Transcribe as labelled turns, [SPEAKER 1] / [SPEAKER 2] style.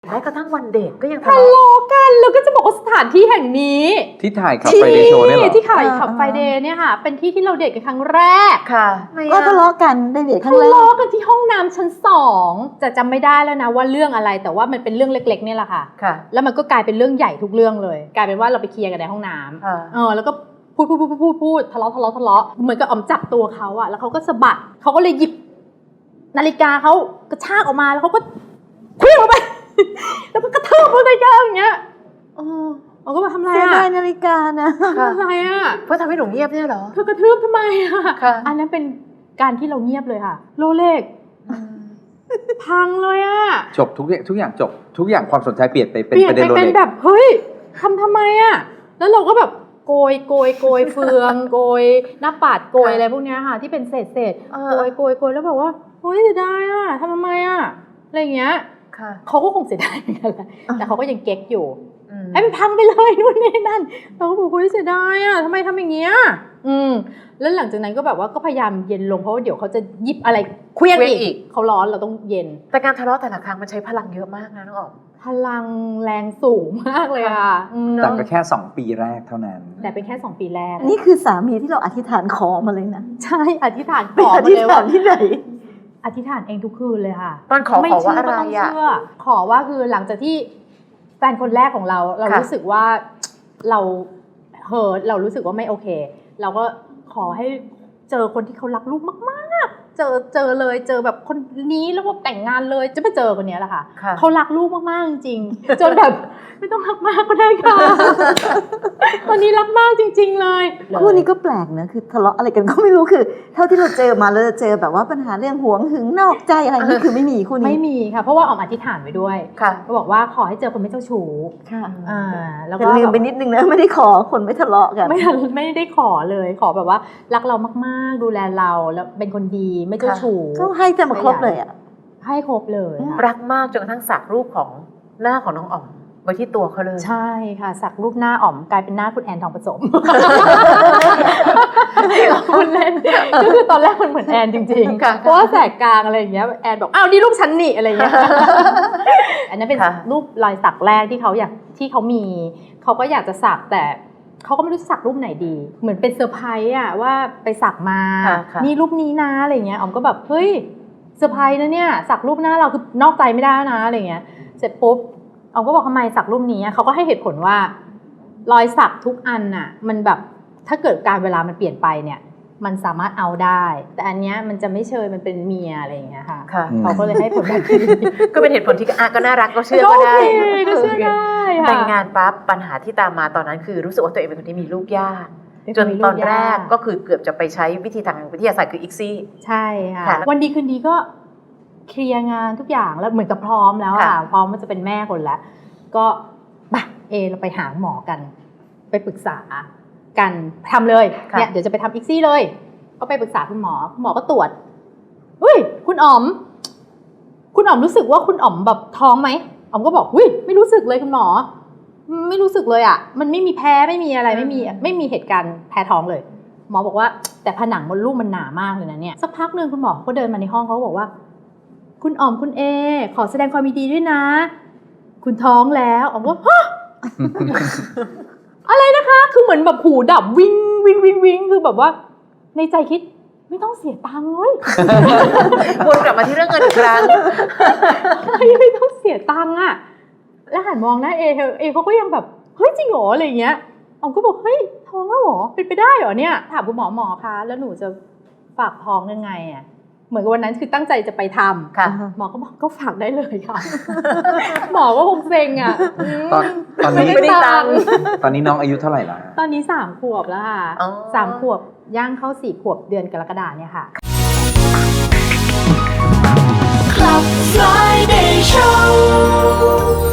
[SPEAKER 1] แม้กระทั่งวันเด็กก็ยังทะ
[SPEAKER 2] ทะ
[SPEAKER 1] เลาะ
[SPEAKER 2] เลาะกันแล้วก็จะบอกว่าสถานที่แห่งนี้
[SPEAKER 3] ที่ถ่ายขับไฟเดย์โชว์เนี่ยเหรอ
[SPEAKER 2] ที่ถ่ายขับไฟเดย์เนี่ยค่ะเป็นที่ที่เราเดทกันครั้งแรก
[SPEAKER 1] ค่ะ
[SPEAKER 4] ก็ทะเลาะกันได้เดทครั้ง
[SPEAKER 2] ทะ
[SPEAKER 4] แรก
[SPEAKER 2] เลาะกันที่ห้องน้ำชั้น2จะจำไม่ได้แล้วนะว่าเรื่องอะไรแต่ว่ามันเป็นเรื่องเล็กๆเนี่ยแหละค่ะ
[SPEAKER 1] ค่ะ
[SPEAKER 2] แล้วมันก็กลายเป็นเรื่องใหญ่ทุกเรื่องเลย กลายเป็นว่าเราไปเคลียร์กันในห้องน้ำแล้วก็พูดทะเลาะเหมือนกับอ๋อมจับตัวเขาอะแล้วเขาก็สะบัดเขาก็เลยหยิบนาฬิกาเขากระชากออกมาแล้วเขาก็เคลื่อนออกไป แล้วก็กระทืบนาฬิกาอย่างเงี้ยเราก็มาทำอะไร
[SPEAKER 4] เสีย
[SPEAKER 2] อะ
[SPEAKER 4] ดายนาฬิกานะ
[SPEAKER 2] ทำอะไรอะ
[SPEAKER 1] เพื่อทำให้หนูเงียบเนี่ยเหรอ
[SPEAKER 2] เธอกระทืบทำไมอะ
[SPEAKER 1] ค่ะ
[SPEAKER 2] อันนั้นเป็นการที่เราเงียบเลยค่ะโลเล็กพังเลยอะ
[SPEAKER 3] จบทุกอย่างจบทุกอย่างความสนใจเปลี่ยนไปเป็น
[SPEAKER 2] เปลี่ยน
[SPEAKER 3] ประ
[SPEAKER 2] ไป
[SPEAKER 3] เด็นโร
[SPEAKER 2] เป็น
[SPEAKER 3] เล็ก
[SPEAKER 2] แบบเฮ้ยทำไมอะแล้วเราก็แบบโกยเฟืองโกยหน้าปาดโกยอะไรพวกเนี้ยค่ะ ที่เป็นเศษโกยแล้วแบบว่าเฮ้ยเสียดายอะทำไมอะอะไรอย่างเงี้ย
[SPEAKER 1] ค่ะ
[SPEAKER 2] เขาก็คงเสียดายเหมือนกันแหละแต่เขาก็ยังเก๊กอยู่ให้มันพังไปเลยนู่นนี่นั่นเราก็บอกเฮ้ยเสียดายอะทำไมทำอย่างเงี้ยแล้วหลังจากนั้นก็แบบว่าก็พยายามเย็นลงเพราะว่าเดี๋ยวเขาจะหยิบอะไรเคลี้ยงอีกเขาร้อนเราต้องเย็น
[SPEAKER 1] แต่การทะเลาะแต่ละครั้งมันใช้พลังเยอะมากนะน้องอ๋อม
[SPEAKER 2] พลังแรงสูงมากเลยค่ะ
[SPEAKER 3] แต่ก็แค่2 ปีแรกเท่านั้น
[SPEAKER 2] แต่เป็นแค่2 ปีแรก
[SPEAKER 4] นี่คือสามีที่เราอธิษฐานขอมาเลยนะ
[SPEAKER 2] ใช่อธิษฐานข
[SPEAKER 4] ไป
[SPEAKER 2] อ
[SPEAKER 4] อ
[SPEAKER 2] มา
[SPEAKER 4] ธิษ
[SPEAKER 2] เลย
[SPEAKER 4] ฐา
[SPEAKER 2] ว่าน
[SPEAKER 4] ที่ไหน
[SPEAKER 2] อธิษฐานเองทุกคืนเลยค่ะ
[SPEAKER 1] ตอนขอว่าอะไร
[SPEAKER 2] ม่เชื่ก็ต้ง
[SPEAKER 1] อ่ะ
[SPEAKER 2] เชื่อขอว่าคือหลังจากที่แฟนคนแรกของเรา
[SPEAKER 1] ค่ะ
[SPEAKER 2] รู้สึกว่าเราเรารู้สึกว่าไม่โอเค เราก็ขอให้เจอคนที่เขารักลูกมากๆเจอเลยเจอแบบคนนี้แล้วก็แต่งงานเลยจะไปเจอคนนี้แหละค่ะ
[SPEAKER 1] ค่ะ
[SPEAKER 2] เขารักลูกมากๆจริงๆจนแบบไม่ต้องรักมากก็ได้ค่ะ ตอนนี้รักมากจริงๆเลย
[SPEAKER 4] คู่นี้ก็แปลกนะคือทะเลาะอะไรกันก็ไม่รู้คือ เท่าที่เราเจอมาเราจะเจอแบบว่าปัญหาเรื่องหวงหึงนอกใจอะไรนี่คือไม่มีคู่นี้
[SPEAKER 2] ไม่มีค่ะเพราะว่าออกอธิษฐานไว้ด้วย
[SPEAKER 1] ค่ะ
[SPEAKER 2] ก็บอกว่าขอให้เจอคนไม่เจ้าชู้
[SPEAKER 4] ค่ะ
[SPEAKER 2] แล้ว
[SPEAKER 4] แต่
[SPEAKER 2] ก็
[SPEAKER 4] ลืมไปนิดนึงนะไม่ได้ขอคนไม่ทะเลาะกัน
[SPEAKER 2] ไม่ได้ขอเลยขอแบบว่ารักเรามากๆดูแลเราแล้วเป็นคนดีไม่เจ้าชู้
[SPEAKER 4] ก็ให้จะมาครบเลยอ่ะ
[SPEAKER 2] ให้ครบเลยค่ะ
[SPEAKER 1] รักมากจนกระทั่งสักรูปของหน้าของน้องอ๋อมไว้ที่ตัวเขาเลย
[SPEAKER 2] ใช่ค่ะสักรูปหน้าอ๋อมกลายเป็นหน้าคุณแอนทองผสม คุณเล่นก็คือตอนแรกมันเหมือนแอนจริง
[SPEAKER 1] ค่ะ
[SPEAKER 2] ๆเพราะว่าแสกกลางอะไรอย่างเงี้ยแอนบอกอ้าวนี่รูปฉันนี่อะไรอย่างเงี้ย อันนั้นเป็น
[SPEAKER 1] ค่ะ
[SPEAKER 2] รูปรอยสักแรกที่เขามีเขาก็อยากจะสักแต่เขาก็ไม่รู้จะสักรูปไหนดี เหมือนเป็นเซอร์ไพรส์อะว่าไปสักมา
[SPEAKER 1] ค่ะ
[SPEAKER 2] นี่รูปนี้นะอะไรเงี้ยอ๋อมก็แบบเฮ้ยเซอร์ไพรส์นะเนี่ยสักรูปหน้าเราคือนอกใจไม่ได้นะอะไรเงี้ยเสร็จปุ๊บอ๋อมก็บอกทำไมสักรูปนี้เขาก็ให้เหตุผลว่ารอยสักทุกอันน่ะมันแบบถ้าเกิดการเวลามันเปลี่ยนไปเนี่ยมันสามารถเอาได้ แต่อันเนี้ยมันจะไม่เชยมันเป็นเมียอะไรอย่างเงี้ยค่ะ
[SPEAKER 1] ค่ะ
[SPEAKER 2] เขาก็เลยให้ผลแบบนี้
[SPEAKER 1] ก็เป็นเหตุผลที่ก็น่ารักก็เชื่อ
[SPEAKER 2] ก็
[SPEAKER 1] ก็
[SPEAKER 2] โอ
[SPEAKER 1] ได้
[SPEAKER 2] เคก็เชื่อได้ค่ะ
[SPEAKER 1] แต่งงานปั๊บปัญหาที่ตามมาตอนนั้นคือรู้สึกว่าตัวเองเป็นคนที่มีลูกยากจนตอนแรกก็คือเกือบจะไปใช้วิธีทางวิทยาศาสตร์คืออีกซี่
[SPEAKER 2] ใช่ค่ะ
[SPEAKER 1] ค่ะ
[SPEAKER 2] วันดีคืนดีก็เคลียร์งานทุกอย่างแล้วเหมือนกับพร้อมแล้ว
[SPEAKER 1] ค่ะ
[SPEAKER 2] พร้อมมันจะเป็นแม่คนแล้วก็เราไปหาหมอกันไปปรึกษากันทำเลยเนี่ยเดี๋ยวจะไปทำอีกซี่เลยก็ไปปรึกษาคุณหมอก็ตรวจอุ้ยคุณอ๋อมรู้สึกว่าคุณอ๋อมแบบท้องไหมอ๋อมก็บอกอุ้ยไม่รู้สึกเลยคุณหมอไม่รู้สึกเลยอ่ะมันไม่มีแพ้ไม่มีอะไรไม่มีเหตุการณ์แพ้ท้องเลยหมอบอกว่าแต่ผนังมดลูกมันหนามากเลยนะเนี่ยสักพักนึงคุณหมอก็เดินมาในห้องเขาบอกว่าคุณอ๋อมคุณเอขอแสดงความยินดีด้วยนะคุณท้องแล้วอ๋อมก็ฮะ อะไรนะคะคือเหมือนแบบหูดับวิ่งคือแบบว่าในใจคิดไม่ต้องเสียตังค์เลย
[SPEAKER 1] วนกลับมาที่เรื่องเงินอีกครั้ง
[SPEAKER 2] ไม่ต้องเสียตังค์อะแล้วหันมองหน้าเอเขาก็ยังแบบเฮ้ยจริงเหรออะไรเงี้ยอ๋อมก็บอกเฮ้ยท้องแล้วเหรอเป็นไปได้เหรอเนี่ยถามคุณหมอคะแล้วหนูจะฝากท้องยังไงอะเหมือนกับวันนั้นคือตั้งใจจะไปทำ
[SPEAKER 1] ค่ะ
[SPEAKER 2] หมอก็บอกก็ฝากได้เลยค่ะ หมอก็คงเซ็งอ่ะ
[SPEAKER 3] ตอนนี้
[SPEAKER 1] ไม่ได้ตังค์
[SPEAKER 3] ตอนนี้น้องอายุเท่าไหร่ละ
[SPEAKER 2] ตอนนี้3 ขวบแล้วค่ะ
[SPEAKER 1] อ๋อ
[SPEAKER 2] 3 ขวบย่างเข้า4 ขวบเดือนกรกฎาคมเนี่ยค่ะ
[SPEAKER 5] Club Friday Show